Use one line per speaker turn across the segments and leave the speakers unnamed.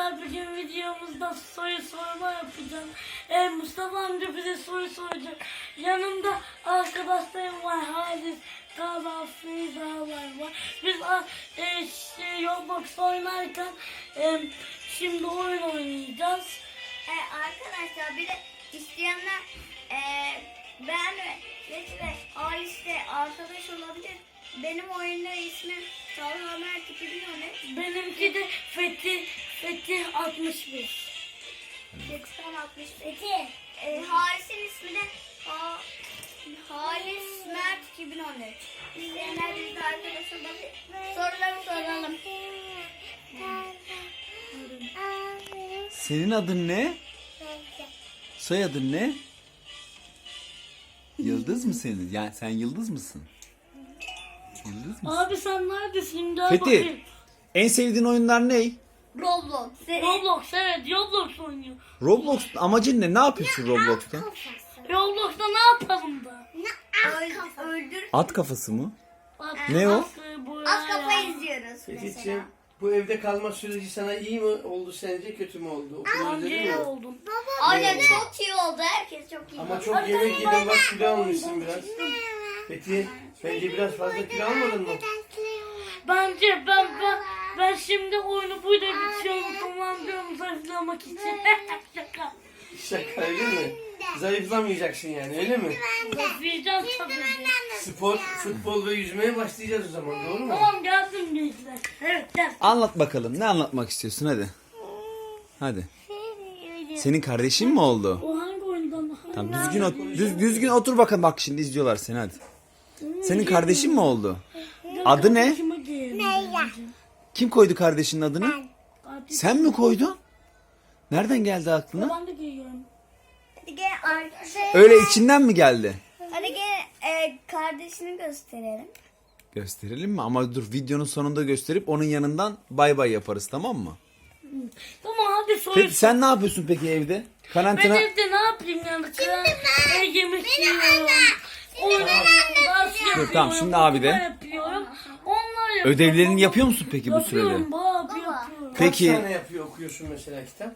arkadaşlar bugün videomuzda soru sorma yapacağım. Mustafa amca bize soru soracak. Yanımda arkadaşlarım var. Halis, Tala, Feyza var. Biz Roblox oynarken şimdi oyun oynayacağız.
Arkadaşlar bir de isteyenler ben ve Halis'le arkadaş olabilir. Benim oyunda ismim Talha Mert 2013.
Benimki de Fethi 61.
Fethi'den 62. Halis'in ismi de Halis Mert 2013. İsteyenler bizle arkadaş olabilir. Soruları soralım.
Senin adın ne? Soyadın ne? Yıldız mı senin? Yani sen Yıldız mısın? Yıldız mısın?
Abi sen neredesin? Gel
Fethi.
bakayım.
En sevdiğin oyunlar ne?
Roblox.
Roblox, evet, Roblox oynuyor.
Roblox amacın ne? Ne yapıyorsun Roblox'ta?
Roblox'ta ne yapalım da?
Öldür.
At kafası mı?
Bak,
Ne o?
Az kafa izliyoruz mesela.
Fethi'ciğim, bu evde kalma süreci sana iyi mi oldu sence, kötü mü oldu? Okulu
Önce
özledin
iyi
mi?
oldum.
Aynen çok iyi oldu. Herkes çok iyi.
Ama çok yemek yedin, bak kilo almışsın biraz. Fethi, bence biraz fazla kilo almadın mı?
Bence ben şimdi oyunu burada bitiyorum, tamam diyorum, zayıflamak için. Şaka.
Şaka öyle mi? Zayıflamayacaksın yani, öyle mi?
Zayıflayacağım tabii.
Spor, futbol ve yüzmeye başlayacağız o zaman, doğru mu?
Tamam, geldim gençler. Evet, gel.
Anlat bakalım. Ne anlatmak istiyorsun? Hadi. Hadi. Senin kardeşin mi oldu?
O hangi oyundan?
Tamam, düzgün otur bakalım, bak şimdi izliyorlar seni, hadi. Senin kardeşin mi oldu? Adı ne? Kim koydu kardeşinin adını? Sen mi koydun? Nereden geldi aklına?
Ben de giyiyorum.
Hadi gel
Öyle içinden mi geldi?
Hadi gel kardeşini gösterelim.
Gösterelim mi? Ama dur, videonun sonunda gösterip onun yanından bay bay yaparız, tamam mı?
Tamam, hadi soru.
Peki sen ne yapıyorsun peki evde?
Ben
Karantina...
evde ne yapayım yani? Yemek yiyorum. Oynuyorum. Ders yapıyorum.
tamam, şimdi abi de.
okuma yapıyorum. Onlar yapıyorum.
Ödevlerini yapıyor musun peki bu sürede?
Yapıyorum baba, yapıyorum.
Peki.
Kaç tane okuyorsun mesela kitap?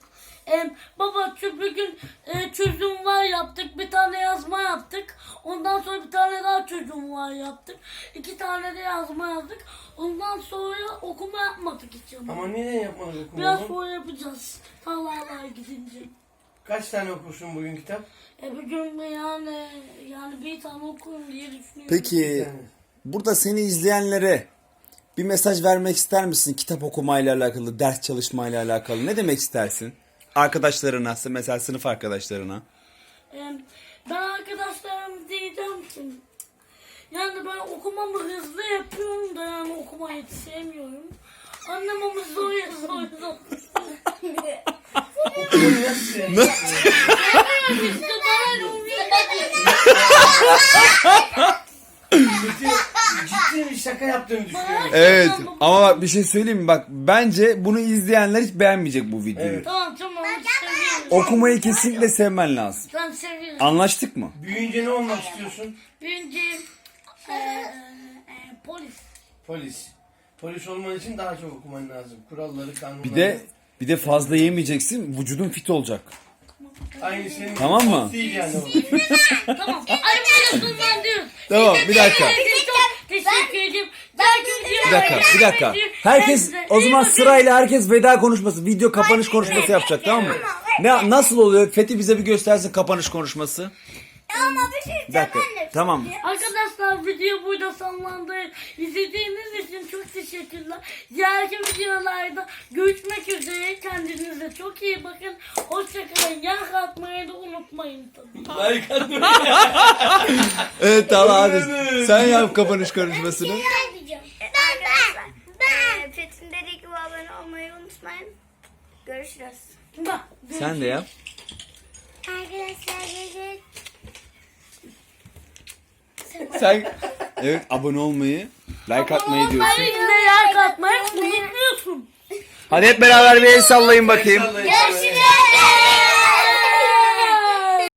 Baba bugün çözüm var yaptık, bir tane yazma yaptık. Ondan sonra bir tane daha çözüm var yaptık. 2 tane de yazma yazdık. Ondan sonra okuma yapmadık hiç ama.
Ama neden yapmadın
Biraz
okumayı?
sonra yapacağız. Allah'a gidince.
Kaç tane okursun bugün kitap?
Bugün yani bir tane okurum diye düşünüyorum.
Peki burada seni izleyenlere bir mesaj vermek ister misin? Kitap okumayla alakalı, ders çalışmayla alakalı. Ne demek istersin? Arkadaşlarına, mesela sınıf arkadaşlarına.
Ben arkadaşlarım diyeceğim ki yani ben okumamı hızlı yapıyorum da yani okumayı hiç sevmiyorum. Annem ama zor.
Okumayı nasıl yani?
İşte ben
Ciddi bir şaka yaptığını düşünüyorum.
Evet, ama bak bir şey söyleyeyim mi? Bak bence bunu izleyenler hiç beğenmeyecek bu videoyu.
Evet.
Tamam seviyorum.
Okumayı kesinlikle sevmen lazım.
Ben seviyorum.
Anlaştık mı?
Büyüyünce ne olmak istiyorsun?
Birinci polis.
Polis. Polis olman için daha çok okuman lazım. Kuralları, kanunları.
Bir de fazla yemeyeceksin. Vücudun fit olacak.
Aynı senin
Tamam mı?
değil yani o.
Tamam. Ay bunu ben diyorum.
Tamam, bir dakika.
Çok teşekkür ederim.
Bir dakika. Herkes o zaman sırayla herkes veda konuşması, video kapanış konuşması yapacak, tamam mı? Nasıl oluyor? Fethi bize bir göstersin kapanış konuşması.
Ama bir şey
Bir dakika. Tamam.
Arkadaşlar video burada sonlandı. İzlediğiniz için çok teşekkürler. Diğerki videolarda görüşmek üzere. Kendinize çok iyi bakın. Hoşçakalın. Like atmayı da unutmayın tabii.
Like atmayı.
Evet, tamam, hadi. Sen yap kapanış konuşmasını.
Ben. Fethi'nin dediği gibi abone olmayı unutmayın. Görüşürüz.
Bak,
Sen de yap.
Arkadaşlar
Sen evet, abone olmayı, like atmayı diyorsun.
Hayır, yine like atmayı unutmuyorsun.
Hadi hep beraber bir el sallayın bakayım.
Sallayın.